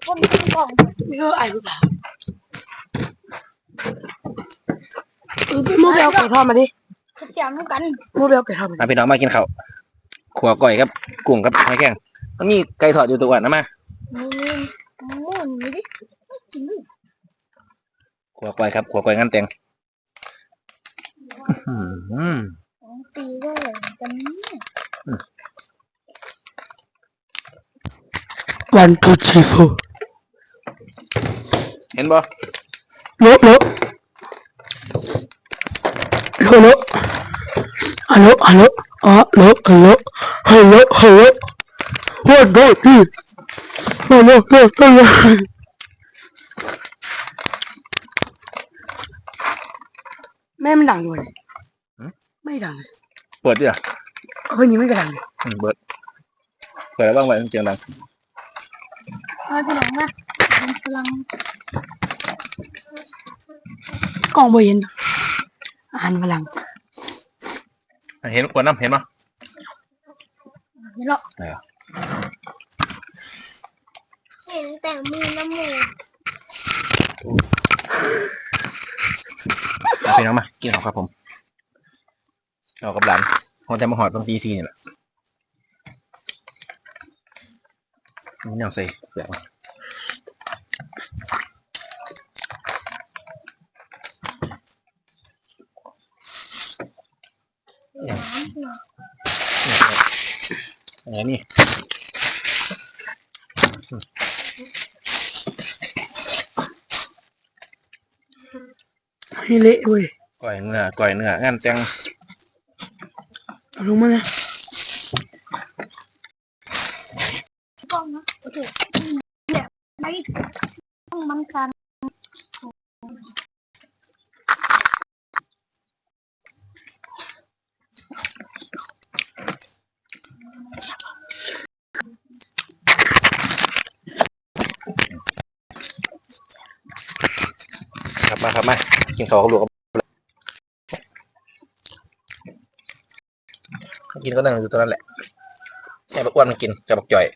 คนกล่องไม่ก็ไอ้ผู้สาวมูเบลไก่ทอดมาดิสักอย่างเหมือนกันมูเบลไก่ทอดมาพี่น้องมากินข้าวขัวก้อยครับกุ้งกับหอยแครงมันมีไก่ทอดอยู่ตัวอ่ะนะมานี่ดิขัวก้อยครับขัวก้อยงานแต่งตีด้วยกันนี่ 1 2 3 4 เห็นบ่โลฮัลโหลฮัลโหลฮัลโหลฮัลโหลฮัลโหลฮัลโหลฮัลโหลวันโดนี่ฮัลโหลฮัลโหลแม่มันดังอยู่เลยไม่ดังเลยเปิดดิอ่ะเฮ้ยนี่ไม่กระดังเปิดแล้วบ้างไว้เสียงดังมาพี่น้องนะพลังกล่องบเห็นอาหารพลังเห็นขวดน้ำเห็นมั้ยเห็นหรอเห็นแต่มือน้ำมือพี่น้องมากินข้าวครับผมเอากับหลานเขาจะมาหอดตรงตีนี่แหละนี่ยังใส่เปลือกอย่างนี้ให้เละด้วยก่อยเนื้องานแต่งรู้มั้ยเนี่ยกล้องนะโอเคเนี่ยไม่ต้องมันกันครับมากินข้าวกับลูกกินก็นั่งอยู่ตรงนั้นแหละแม่บักอ้วนมันกินกับบักจ่อย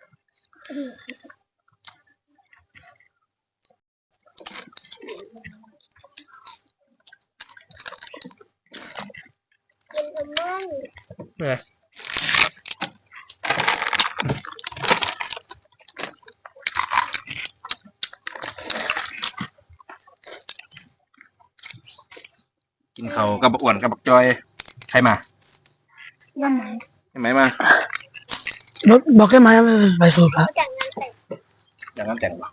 เนี่ยกินข้าวกับบักอ้วนกับบักจ่อยใครมายังไงมาบอกให้มาไปสูบแล้วอย่างนั้นแต่งป่ะ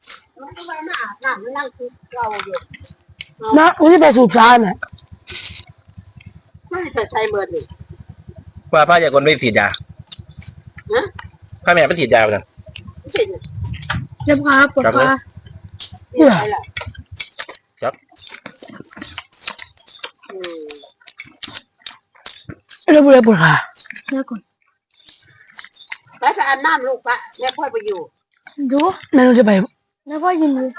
นะวันนี้ไปสูบชาเนี่ยไม่ใช่เบิร์ดเลยว่าพ่ออยากคนไม่ฉีดยาพ่อแม่ไม่ฉีดยาเลยเจ็บขาปวดขาเนี่ยจับเรื่องอะไรปวดขาเดี๋ยวก่อนไปอาบน้ำลูกปะแม่พ่อไปอยู่ดูแม่เราจะไปแล้วพ่อยินดี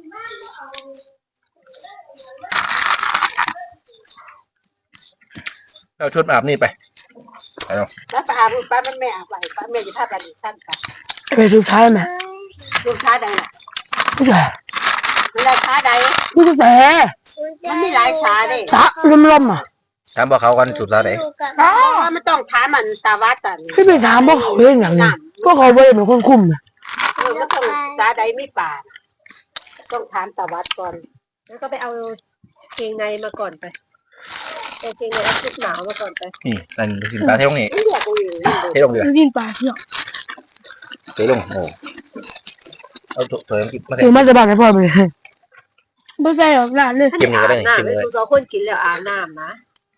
เอาชุดอาบนี่ไปแล้วไปอาบป้าแม่อาบไปป้าแม่จะพาไปดิสั้นกันไปสูบชาไหมสูบชาใดล่ะไม่ใช่ไม่ได้ชาใดไม่ใช่มันมีหลายชาเลยชาลมอ่ะถามบอกเขากันสูบชาไหนไม่ต้องถามมันตาวัดกันไม่ไปถามพวกเขาเรื่องอย่างนี้พวกเขาไม่ได้เป็นคนคุมนะไม่ต้องชาใดไม่ป่าต้องถามตาวัดก่อนแล้วก็ไปเอาเกงในมาก่อนไปเอาเกงในเอาชุดหนาวมาก่อนไปนี่นั่นสินปลาเท่านี้เท่ลงเดือดสินปลาเที่ยวเท่ลงโอ้เอาเถอะมาเถอะมาจะบ้านให้พ่อไปเลยไม่ใช่หรอกหลานเลยกินนี่ก็ได้กินเลยทุกคนกินแล้วอาบน้ำนะ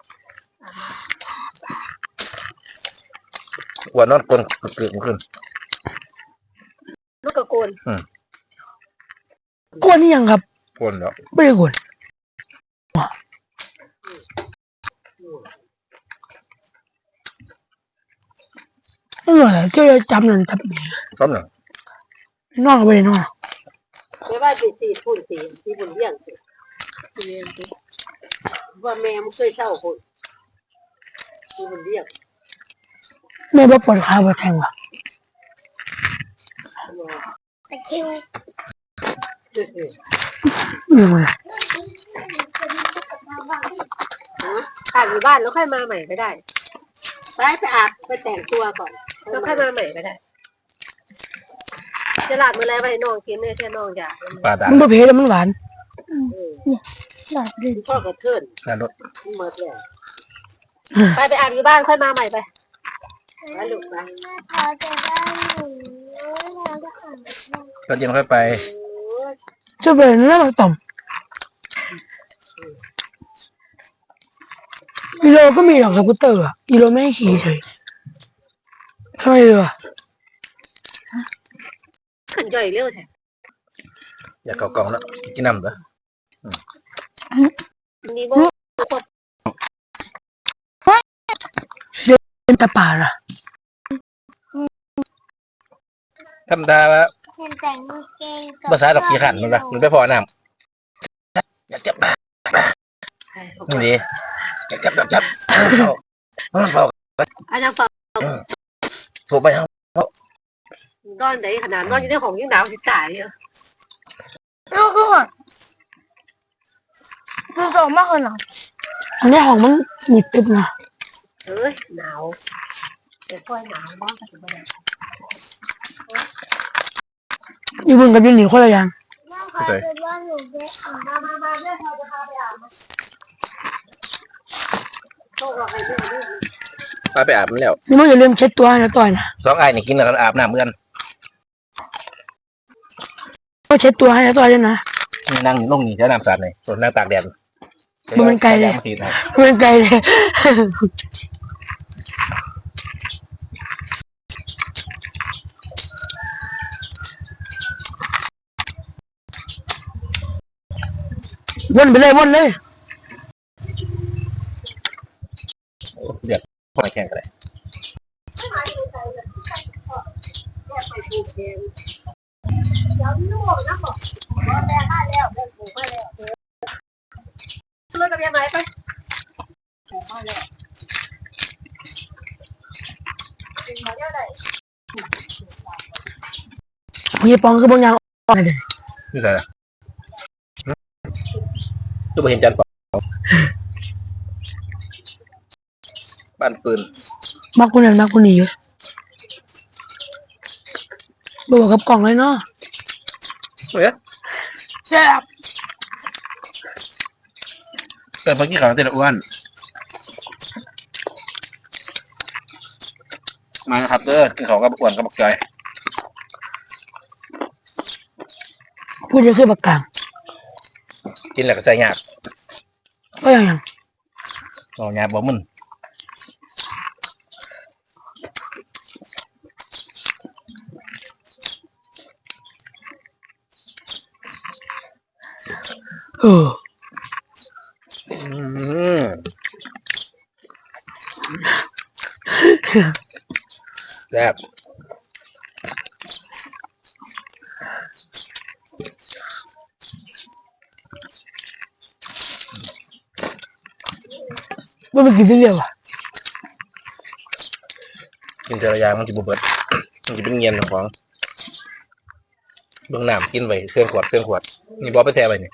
วันนอนกลนเกลือขึ้นลูกกระโกนกวนนี่ยังครับกวนแล้วไม่ได้กวนอะไรเจ้าจำนั่นจำนี่จำนั่นนอนไปนอนไม่ว่าจะสีพุ่นสีบุญเลี้ยงว่าแม่มันเคยเช่าคนสีบุญเลี้ยงแม่บอกปวดขาปวดแทงว่ะตะคิวยังไงอาบอยู่บ้านแล้วค่อยมาใหม่ก็ได้ไปอาบไปแต่งตัวก่อนแล้วค่อยมาใหม่ก็ได้จะหลับเมื่อไรไปน้องกินเนี่ยแค่น้องอยากปลาด่างมันบ่เผ็ดแล้วมันหวานหลอดดึงพ่อก็เทินปลารสหมดเลยไปอาบอยู่บ้านค่อยมาใหม่ไปลูกไปพอจะได้หนูเราจะอ่านตอนเย็นค่อยไปจะเป็นเรื่องต่อมกิโลก็มีหรอกสกูตเตอร์อ่ะกิโลไม่ให้ขี่เฉยทำไมเลยวะขึ้นย่อยเร็วแท้อยากเกากล่องแล้วกินน้ำเหรอนี่บ่เป็นตะป่าล่ะธรรมดาว่าเห็นแต่งเกงกับภาษาดอกกี่ขันมันละมันไม่พอน้ำอยากจับนี่ดิอยากจับมันเผาอันนั้นเปล่าถูกไปครับนอนไหนขนาดนอนอยู่ในห้องยังหนาวสิตายเนี่ยลูกก่อนดูสองมากเลยนะอันนี้ของมันหนีบตึบนะเอ้ยหนาวแต่ค่อยหนาวบ้างก็ถึงไม่ได้อยู่บนกับยูนิคนละอย่างแม่ขอเป็นว่าหนูไปอ่านมาแม่พอจะพาไปอาบโชคเราไปเรื่อยพาไปอาบมันแล้วนี่มันอย่าลืมเช็ดตัวให้นะต่อยนะสองไอ้นี่กินแล้วกันอาบน้ำเหมือนกันก็เช็ดตัวให้นะต่อยด้วยนะนี่นั่งลงนี่ใช้น้ำสาดเลยส่วนนั่งตากแดดมันไกลเลยมาสีนะมันไกลเลยวนไปเลยวนเลยเดือดพอแข่งกันเลยเดี๋ยวลูกนะบอกว่าแม่มาแล้วแม่ปลูกมาแล้วเลยกับยังไงไปปลูกมาแล้วเป็นมาเยอะเลยพี่ปองคือบางอย่างอ่อนเลยนี่อะไรตัวเห็นจันทร์เปล่าบ้านปืนมากคนนั้นมากคนนี้บอกกับกล่องเลยเนาะเฮ้ยแซ่บเกิดเมื่อกี้เขาเต้นอ้วนมาครับเด้อกินเขากับอ้วนกับบักจอยพูดจะคือปากกลางกินแล้วก็ใส่หยาบก็อย่างเอาหยาบบ่มึนเออแซ่บไม่ไปกินเรื่อยๆว่ะกินแต่ละอย่างมันจะบ่เบิดมันจะเป็นเงียนของเบื้องน้ำกินไว้เครื่องขวดนี่บอไปแท้ไปนี่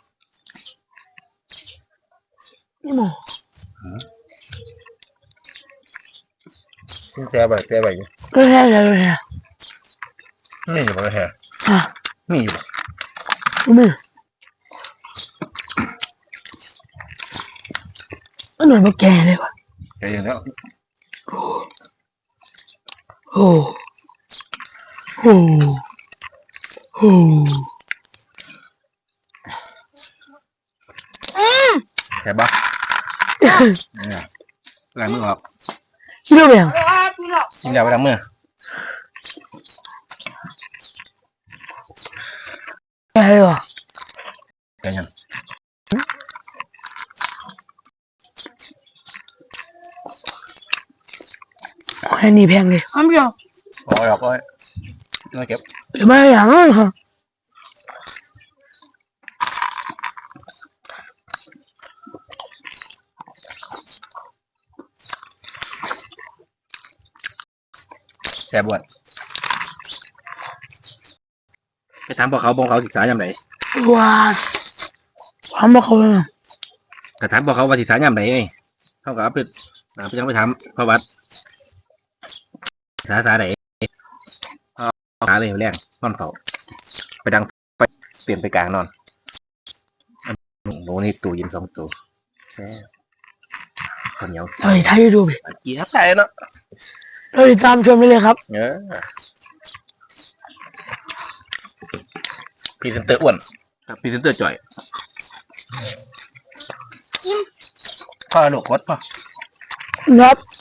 นี่หมอกินแท้ไปนี่ก็แค่เลยฮะนี่อยู่บ่แท้อ่ะมีอยู่มือมันหน่วยมาแก่เลยว่ะแค่อย่างนี้โอ้โอ้โอ้แค่บ้าเนี่ยล้างมือออกเรื่องแบบกินแล้วไปล้างมือแก่เลยว่ะแค่ยังแค่นี้แพงเลยอ้าวเดียวออกเลยมาเก็บหรือไม่อย่างนั้นฮะแซ่บวนไปถามพวกเขาศึกษายามไหนว้าทำมาเขาเลยแต่ถามพวกเขาว่าศึกษายามไหนไงเขาก็เอาไปยังไปถามพระวัดศึกษาไหนหาเลยแรงนอนเฝ้าไปดังไปเปลี่ยนไปกลางนอนหนูนี่ตู้เย็น2 ตู้แซ่ข้าวเหนียวเราถ่ายยูทูบเกี๊ยวไปเนาะเราติดตามชมได้เลยครับพรีเซนเตอร์อ้วนครับพรีเซนเตอร์จ่อยพ่อลูกกดพ่อครับ